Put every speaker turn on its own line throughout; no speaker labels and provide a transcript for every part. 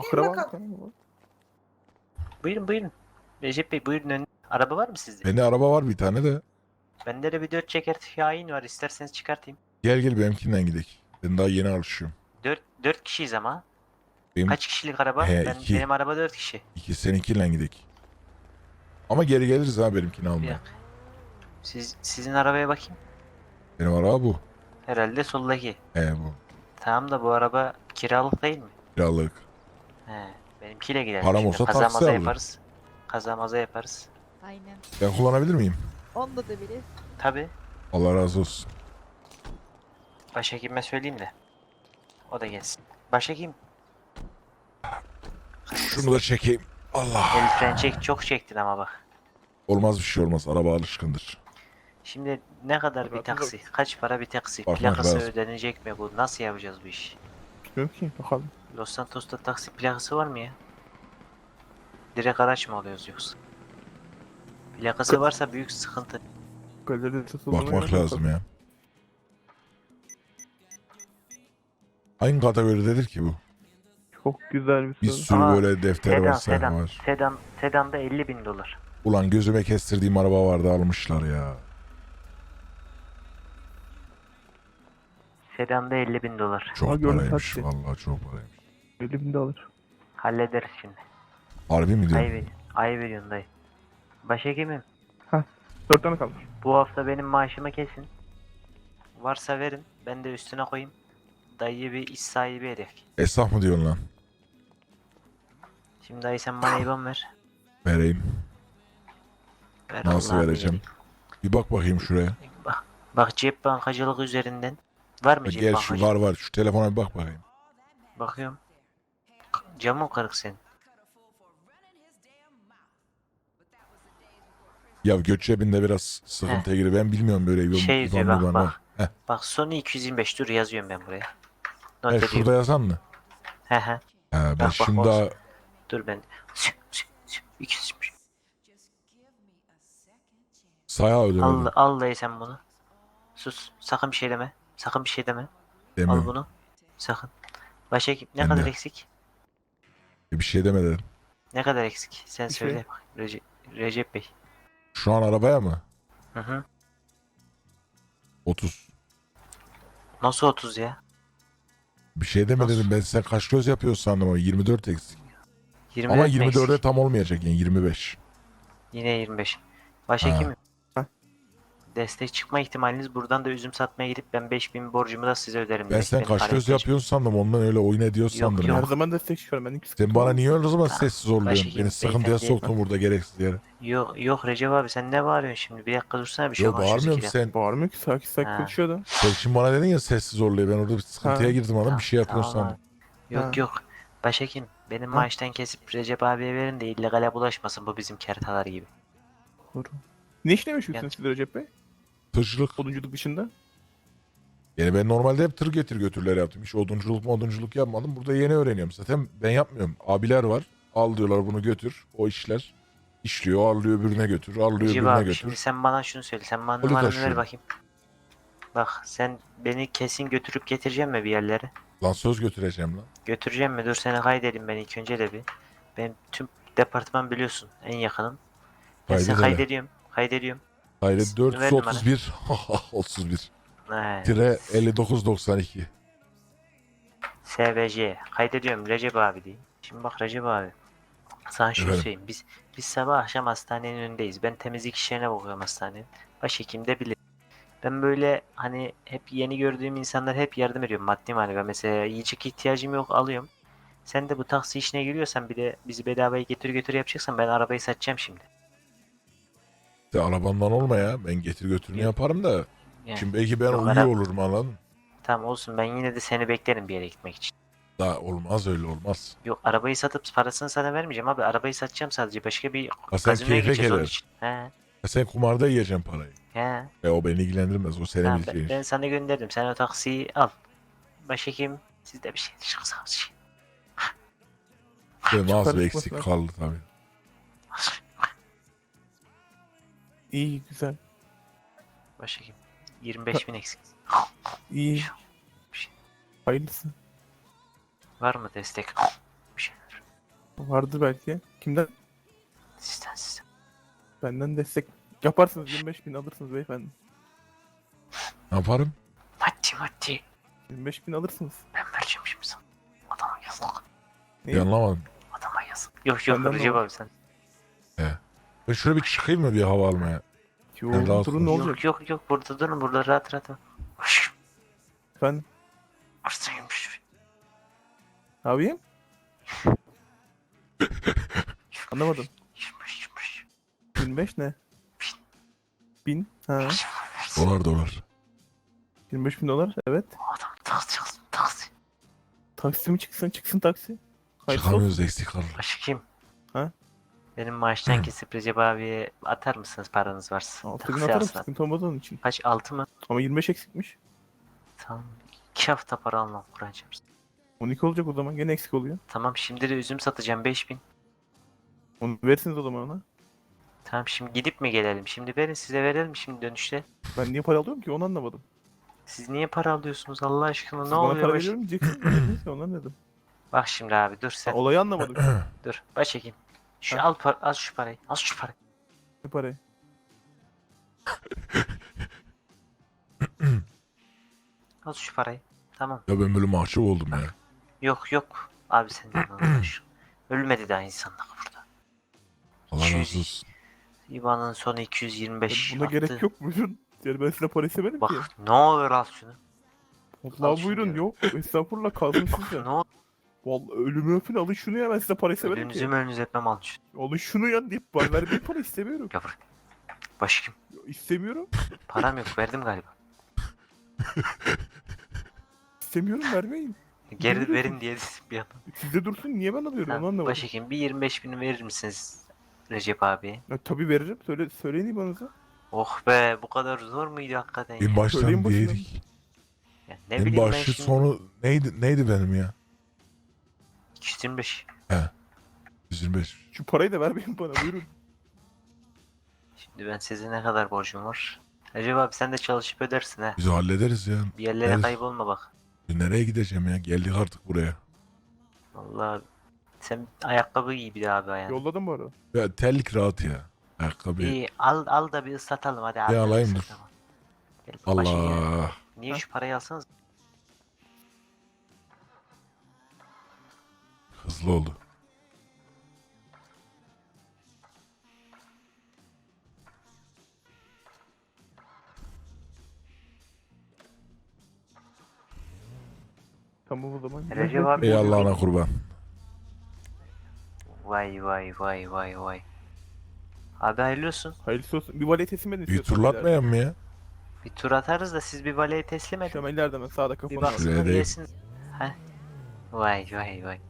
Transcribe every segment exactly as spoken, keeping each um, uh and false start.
Akraba.
Buyurun buyurun. Recep Bey buyurun ön. Araba var mı sizde?
Bende araba var bir tane de.
Bende de bir dört çeker Şahin var. İsterseniz çıkartayım.
Gel gel benimkinden gidelim. Ben daha yeni alışıyorum.
Dört, dört kişiyiz ama.
Benim
Kaç kişilik araba?
He,
ben
iki.
Benim araba dört kişi.
iki seninkiyle gidelim. Ama geri geliriz ha benimkini
Bir
almaya.
dakika. Siz, sizin arabaya bakayım.
Benim araba bu.
Herhalde soldaki.
He bu.
Tamam da bu araba kiralık değil mi?
Kiralık.
He. Benimkiyle gidelim.
Param
şimdi.
olsa
Kaza
taksi
maza
alırım.
yaparız. Kaza maza yaparız.
Aynen.
Ben kullanabilir miyim?
Onda da biri.
Tabi.
Allah razı olsun.
Başhekime söyleyeyim de. O da gelsin. Başhekim.
Şunu da çekeyim. Allah.
El fren çek. Çok çektin ama bak.
Olmaz bir şey olmaz. Araba alışkındır.
Şimdi ne kadar bir
Bakın
taksi? Kaç para bir taksi?
Bakmak
Plakası
lazım.
ödenecek mi bu? Nasıl yapacağız bu işi?
Bilmiyorum ki bakalım.
Los Santos'ta taksi plakası var mı ya? Direkt araç mı alıyoruz yoksa? Plakası varsa büyük sıkıntı.
Galeride satıldığına
Bakmak
göre
lazım ya. Hangi kategoridedir ki bu?
Çok güzel bir
Bir
soru.
sürü
Aa,
böyle defter
Sedan,
var, sayfa
sedan,
var.
sedan, sedanda elli bin dolar.
Ulan gözüme kestirdiğim araba vardı almışlar ya.
Sedanda elli bin dolar.
Çok
Aha, gördüm
paraymış.
taksi.
Vallahi çok paraymış.
Elimde alır.
Hallederiz şimdi.
Harbi mi
Ayı
diyorsun?
ver, ayı veriyorsun dayı. Başhekimim,
Dört tane kalmış.
bu hafta benim maaşımı kesin. Varsa verin, ben de üstüne koyayım. Dayıyı bir iş sahibi edek.
Esnaf mı diyorsun lan?
Şimdi dayı sen bana İBAN ver.
Vereyim.
Ver
Nasıl
Allah'ını
vereceğim?
vereyim.
Bir bak bakayım şuraya.
Bak, bak cep bankacılık üzerinden. Var mı cep
Gel şu
bankacılık?
var var. Şu telefona bir bak bakayım.
Bakıyorum. Camın kırık senin.
Ya göç cebinde biraz sıkıntıya giriyor. Ben bilmiyorum böyle bir
Şey
İvan
yazıyor bak
Mivan
bak.
var. Heh.
Bak Sony iki yüz yirmi beş dur yazıyorum ben buraya. Not
He,
ediyorum.
şurada yazan mı?
He he.
He, ben
bak,
şimdi
olsun.
daha
Dur ben. iki yüz yirmi beş.
sayağı ödemedim.
Al, al dayı sen bunu. Sus. Sakın bir şey deme. Sakın bir şey deme. Al
Demiyorum.
bunu. Sakın. Başhekim ne
Ben
kadar
de.
eksik?
Bir şey demedim.
Ne kadar eksik? Sen
Bir
söyle
şey.
bak. Recep, Recep Bey.
Şu an arabaya mı?
Hı hı.
otuz.
Nasıl otuz ya?
Bir şey deme
Nasıl?
dedim. Ben sen kaç göz yapıyorsun sandım ama yirmi dört eksik.
yirmi
Ama
dört mü
yirmi dörde
eksik?
tam olmayacak yani yirmi beş.
Yine yirmi beş. Başhekimim.
Ha.
Destek çıkma ihtimaliniz buradan da üzüm satmaya gidip ben beş bin borcumu da size öderim.
Ben
direkt.
sen
Benim
kaç
kalem
göz
peşim.
yapıyorsun sandım. Ondan öyle oyun ediyorsun
Yok,
sandım.
yok.
ya.
Her zaman destek çıkıyorum. Ben hiç
Sen bana niye öyle o zaman sessiz oluyorsun?
Başhekim,
Beni sıkıntıya
beyefendi-
soktun burada gereksiz yere.
Yok yok Recep abi sen ne bağırıyorsun şimdi? Bir dakika dursana bir şey
Yok
konuşuyoruz
bağırmıyorum
iki dakika.
sen.
Bağırmıyor ki sakin sakin
Ha.
konuşuyor da.
Sen şimdi bana dedin ya sessiz oluyor. Ben orada bir sıkıntıya
Ha.
girdim adam bir şey yapıyorsun
Tamam
sandım.
abi. Yok
Ha.
yok. Başhekim benim
Ha.
maaştan kesip Recep abiye verin de illegale bulaşmasın bu bizim kertalar gibi.
Doğru. Ne işle meşgulsünüz
Yani-
siz Recep Bey?
Tırcılık.
Odunculuk dışında.
Yani ben normalde hep tır getir götürler yaptım. Hiç odunculuk modunculuk yapmadım. Burada yeni öğreniyorum. Zaten ben yapmıyorum. Abiler var. Al diyorlar bunu götür. O işler. İşliyor. Alıyor öbürüne götür. Alıyor
Recep
öbürüne
abi
götür.
şimdi sen bana şunu söyle. Sen bana
Onu
numaranı ver
taşıyorum.
bakayım. Bak sen beni kesin götürüp getireceğim mi bir yerlere?
Lan söz götüreceğim lan.
Götüreceğim mi? Dur seni kaydedeyim ben ilk önce de bir. Benim tüm departman biliyorsun en yakınım. Ben seni
Kaydet hele.
kaydediyorum. Kaydediyorum.
Hayret
Ver
dört yüz otuz bir. otuz bir.
He.
Tire elli dokuz doksan iki.
S V J. Kaydediyorum Recep abi diyeyim. Şimdi bak Recep abi. Sana şunu
Efendim?
söyleyeyim. Biz biz sabah akşam hastanenin önündeyiz. Ben temizlik işlerine bakıyorum hastanenin. Başhekim de bilir. Ben böyle hani hep yeni gördüğüm insanlar hep yardım ediyorum maddi manevi. Mesela yiyecek ihtiyacım yok alıyorum. Sen de bu taksi işine giriyorsan bir de bizi bedavaya getir götür yapacaksan ben arabayı satacağım şimdi.
De arabandan olma ya. Ben getir götürünü
Yok.
yaparım da.
Yani,
Şimdi belki ben
Yok,
uyuyor
ara-
olurum anladın mı?
tamam olsun ben yine de seni beklerim bir yere gitmek için.
Da olmaz öyle olmaz.
Yok arabayı satıp parasını sana vermeyeceğim abi. Arabayı satacağım sadece. Başka bir
Ha, sen
gazinoya
keyfe
gideceğiz onun
gelir.
için. He.
Ya sen kumarda yiyeceksin parayı.
He.
E o beni ilgilendirmez. O senin
Tamam, ben,
bileceğin
ben
iş.
sana gönderdim. Sen o taksiyi al. Başhekim sizde bir şey çıksa
Benim az
Çıkarız
bir eksik
bakalım.
kaldı tabii.
İyi güzel.
Başhekim yirmi beş bin eksik.
İyi. Hayırlısı.
Var mı destek? Bir şeyler.
Vardır belki. Kimden?
Sizden sizden.
Benden destek yaparsınız. yirmi beş bin alırsınız beyefendi.
Ne yaparım?
Maddi maddi.
yirmi beş bin alırsınız.
Ben vereceğim şimdi sana. Adama yazık.
Neyi?
Bir anlamadım.
Adama yazık. Yok yok
Benden de
Recep
var.
abi sen.
Ben şöyle bir çıkayım mı bir hava almaya?
Yo,
Ben rahat
durun ne
konuş.
olacak?
Yok yok yok burada durun burada rahat rahat. Hoş.
Efendim?
Arsaymış.
Ne yapayım? Anlamadım.
Yirmiş yirmiş.
yirmi beş ne? Bin. Ha.
Dolar dolar.
yirmi beş bin dolar. Evet.
Adam taksi yazsın taksi.
Taksi mi çıksın? Çıksın taksi. Hayırlısı olsun.
Çıkamıyoruz eksik kalır.
Başı kim?
Ha?
Benim maaştan kesip Recep abiye atar mısınız paranız varsa?
altı bin
Taksi
atarım,
alsın.
sıkıntı olmaz onun için.
Kaç altı mı?
Ama yirmi beş eksikmiş.
Tamam. iki hafta para almam Kur'ancığım.
on iki olacak o zaman. Gene eksik oluyor.
Tamam şimdi de üzüm satacağım beş bin.
Onu verirsiniz o zaman ona.
Tamam şimdi gidip mi gelelim? Şimdi verin size verelim şimdi dönüşte.
Ben niye para alıyorum ki onu anlamadım.
Siz niye para alıyorsunuz Allah aşkına
Siz
ne
bana
oluyor?
para
Baş...
veriyorum diyeceksiniz. Verdiniz ya ondan dedim.
Bak şimdi abi dur
Ben
sen.
olayı anlamadım. şu an.
Dur başhekim. Şu
Ha.
al, par al şu parayı. Al şu parayı.
Ne parayı?
Al şu parayı. Tamam.
Ya ben böyle mahcup oldum ya.
Yok yok. Abi sen de arkadaş. Ölmedi daha insanlık burada.
Allah
iki yüz
razı olsun.
İBAN'ın sonu iki yüz yirmi beş.
Buna
attı.
gerek yok buyurun. Yani ben size para istemedim ki.
Bak ne olur al şunu. al
Allah
şunu
buyurun
diyorum.
yok. Estağfurullah kalsın sizce.
Ne olur.
Vallahi ölümü öpün alın şunu ya ben size para istemedim
Ölünüzü
ki.
mölünüzü etmem al şunu.
Alın şunu ya deyip bana vermeyin para istemiyorum.
Gel buraya. Başhekim.
İstemiyorum.
Param yok verdim galiba.
İstemiyorum vermeyin.
Geri
Buyurun.
verin diye dedim bir an.
Sizde dursun niye ben alıyorum onu
Tamam,
anlamadım.
başhekim bir yirmi beş bin verir misiniz Recep abi?
Ya, tabii veririm. Söyle, söyleyin İBAN'ınızı.
Oh be bu kadar zor muydu hakikaten ya?
En baştan
Söyleyin başına.
diyeydik.
Ya ne
En
bileyim ben
başı
şimdi.
sonu neydi neydi benim ya?
iki yüz yirmi beş.
yüz yirmi beş.
Şu parayı da vermeyin bana buyurun.
Şimdi ben size ne kadar borcum var? Recep abi sen de çalışıp ödersin ha.
Biz hallederiz ya.
Bir yerlere
Evet.
kaybolma bak.
Nereye gideceğim ya? Geldik artık buraya.
Vallahi sen ayakkabı giy bir daha abi ayağına.
Yolladım bu arada.
Ya terlik rahat ya. Ayakkabı.
İyi al al da bir ıslatalım hadi al.
Bir
da bir
alayım dur.
ıslatalım. Gel, başhekim.
Allah.
Niye
Ha?
şu parayı alsanız?
Hızlı oldu.
Tamam o zaman.
Recep abi.
Ey Allah'ına kurban.
Vay vay vay vay vay. Abi hayırlı olsun.
Hayırlısı olsun. Bir valeye teslim edin.
Bir
istiyorsanız
turlatmayan mı ya?
Bir tur atarız da siz bir valeye teslim
ileride. Şu
edin.
an ileride hemen sağda
Bir
kafanı var.
baksınlar
Şuraya değil.
yesin. Heh. Vay vay vay.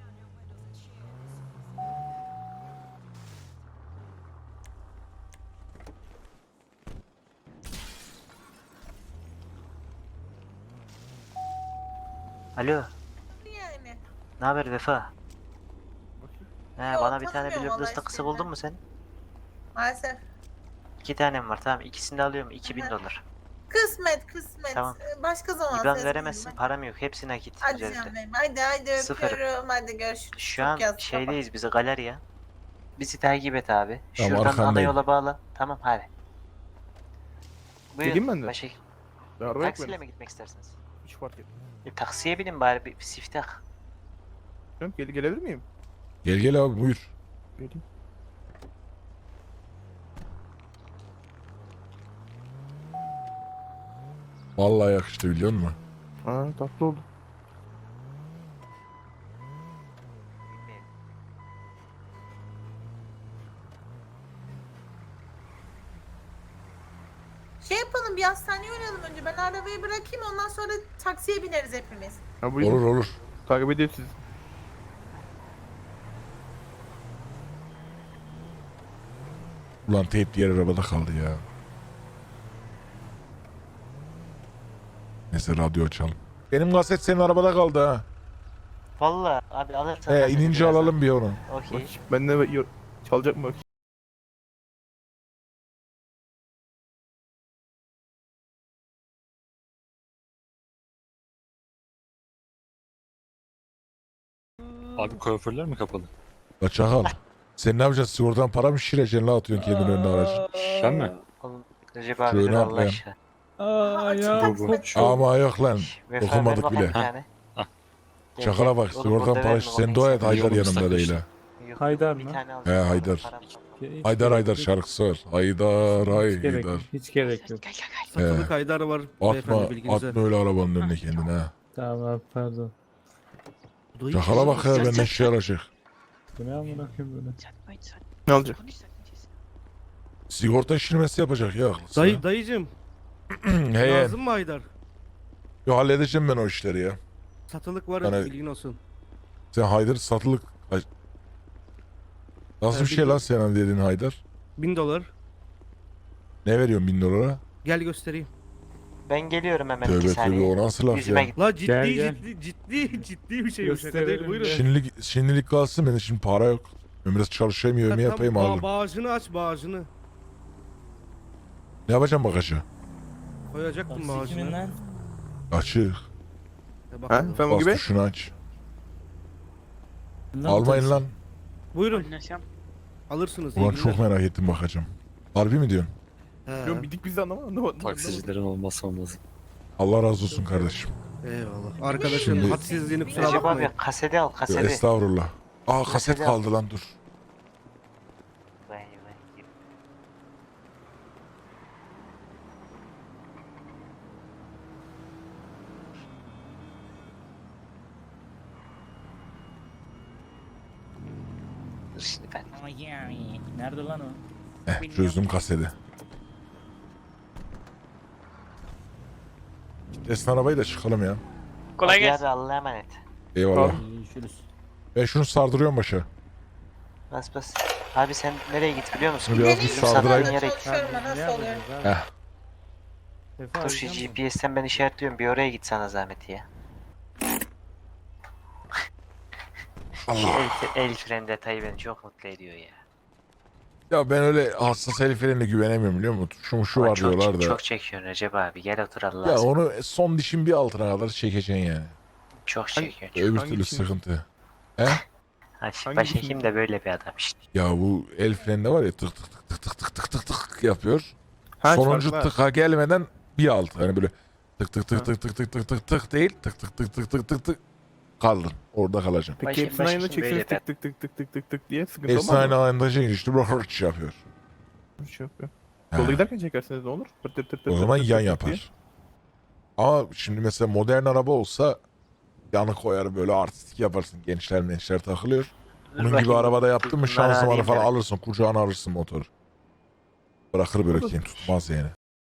Alo,
Yani.
ne haber Vefa? He,
Yok,
bana bir tane
tanımıyorum
blue
vallahi
ıslak kısa
seni.
buldun mu sen?
Maalesef.
İki tanem var tamam ikisini de alıyorum iki bin
Aha.
dolar.
Kısmet kısmet.
Tamam.
Ee, Başka zaman
İban
ses
veremezsin
vereyim
param yok hepsi nakit
ben. Hadi
üzerinde.
canım benim. Hadi hadi
Sıfır.
öpüyorum. Hadi görüşürüz.
Şu
Çok
an
yazık
şeydeyiz bizi galeriya. Bizi takip et abi.
Tamam,
Şuradan ana
arkandayım.
yola bağla. Tamam hadi.
Geleyim ben de.
Başka
Ya araba yok
taksiyle
benim.
mi gitmek istersiniz?
Hiç fark etmez.
E, taksiye binin bari bir, bir siftah.
Canım, Gel, gelebilir miyim?
Gel gel abi buyur.
Geleyim.
Vallahi yakıştı biliyor musun?
Aa tatlı oldu.
Şey yapalım bir hastaneye uğrayalım önce. Ben arabayı bırakayım ondan sonra taksiye bineriz hepimiz.
Ha buyurun.
Olur olur.
Takip edeyim sizi.
Ulan teyp diğer arabada kaldı ya. Neyse radyo açalım. Benim kaset senin arabada kaldı ha.
Valla abi alırsan.
He
kaseti
inince
birazdan.
alalım bir onu.
Okey.
Bak ben de yo- çalacak mı bak.
Abi kuaförler mi kapalı?
La çakal. Sen ne yapacaksın? Sigortadan para mı şişireceksin la atıyorsun kendini önüne aracı?
Sen mi?
Oğlum Recep abi
Şöyle
dur Allah
atlayın.
aşkına.
Aa,
ya,
taksi
bu-
ben-
şu-
Ama yok lan.
Şş, Vefa, ver
Dokunmadık
bakalım
bile.
bir tane. Gel,
Çakala
gel.
bak.
Oğlum
Sigortadan
burada
para
verme,
şişir. Sen
o
dua
neyse.
et Haydar
Yolumuz
yanımda
takmış.
değil ha.
Yok,
Haydar
bir
mı?
tane al.
He, Haydar.
Param yok.
Hiç
Haydar
gerek
Haydar
yok.
şarkısı var. Haydar
Hiç gerek yok.
Haydar.
Hiç gerek yok.
Satılık Haydar var
Atma,
beyefendi bilginize.
atma öyle arabanın önüne kendine ha.
Tamam abi pardon.
Çakala bak ya benden şey alacak.
Bu ne amına koyayım böyle?
Ne olacak?
Sigorta şişirmesi yapacak ya haklısın.
Dayı, dayıcım
He ye.
lazım mı Haydar?
Yo halledeceğim ben o işleri ya.
Satılık var
Yani-
bilgin olsun.
Sen Haydar satılık... Ay- Nasıl
Ben
bir şey
bildim.
lan senin dediğin Haydar?
Bin dolar.
Ne veriyorsun bin dolara?
Gel göstereyim.
Ben geliyorum hemen iki
Tövbe tövbe
saniye.
o nasıl laf
Yüzüme
ya?
git.
La ciddi
Gel, gel.
ciddi ciddi ciddi bir şey bu şaka değil
Gösterelim
buyurun.
ya.
Şimdilik, şimdilik kalsın benim şimdi para yok. Ben biraz çalışayım
Ha,
yemeği
tam
yapayım
ba-
alırım.
Bağcını aç bağcını.
Ne yapacağım bagajı?
Koyacaktım bağcını.
Açık.
E,
Ha?
bakalım.
Femo
Bas
gibi?
tuşunu aç. Almayın lan.
Buyurun. Alırsınız. iyi
Ulan
günler.
çok merak ettim bakacağım. Harbi mi diyorsun?
He.
Yok bildik biz de anlamadım. anlamadım.
Taksicilerin olmazsa olmazı.
Allah razı olsun kardeşim.
Eyvallah. Arkadaşın
Şimdi-
hadsizliğini kusura
Recep
bakmayın.
abi kaseti al
Yo,
kaseti.
estağfurullah. Aa kaset
Mesela-
kaldı lan dur.
Vay vay. Dur şimdi ben.
Nerede lan o?
Heh, çözdüm kaseti. Desin arabayı da çıkalım ya.
Kolay gelsin. Abi Allah'a emanet.
Eyvallah.
Görüşürüz.
Ben şunu sardırıyorum başa.
Bas bas. Abi sen nereye git biliyor musun?
Şunu biraz
Benim
bir
Bizim
sardırayım.
sattığın yere git.
çalışıyorum ben nasıl oluyor?
Heh.
Dur şu G P S'ten ben işaretliyorum. Bir oraya git sana zahmet ya. Şu
Allah.
el, el fren detayı beni çok mutlu ediyor ya.
Ya ben öyle hassas el frenine güvenemiyorum biliyor musun? Şu şu
Ama
var
çok,
diyorlar da.
Çok çekiyorsun Recep abi. Gel otur Allah
Ya
aşkına.
onu son dişin bir altına kadar çekeceksin yani.
Çok çekiyorsun.
Öbür
Hangi
türlü
dişin?
sıkıntı.
Ha,
hangi
başhekim
dişin?
de böyle bir adam işte.
Ya bu el freninde var ya tık tık tık tık tık tık tık tık tık yapıyor.
Ha,
Sonuncu
farklı.
tıka gelmeden bir alt. Hani böyle tık tık tık tık tık tık tık tık tık değil. Tık tık tık tık tık tık tık kaldın. Orada kalacaksın.
Peki
Başım-
hepsini aynı
başım
çekseniz
böyle
tık tık tık tık tık tık tık diye sıkıntı
Hepsini
olmaz
aynı
mı?
anda çekince işte böyle hırç yapıyor.
Bir şey yok ya.
Ha.
Yolda giderken çekerseniz ne olur? Tır tır tır tır
O
tır
zaman
tır
yan
tır diye.
yapar. Ama şimdi mesela modern araba olsa yanı koyar böyle artistik yaparsın. Gençler mençler takılıyor. Bunun gibi
Bakayım,
arabada yaptın mı
bunları
şanzımanı
arayayım
falan
ben.
alırsın. Kucağına alırsın motoru. Bırakır böyle kendini tutmaz yani.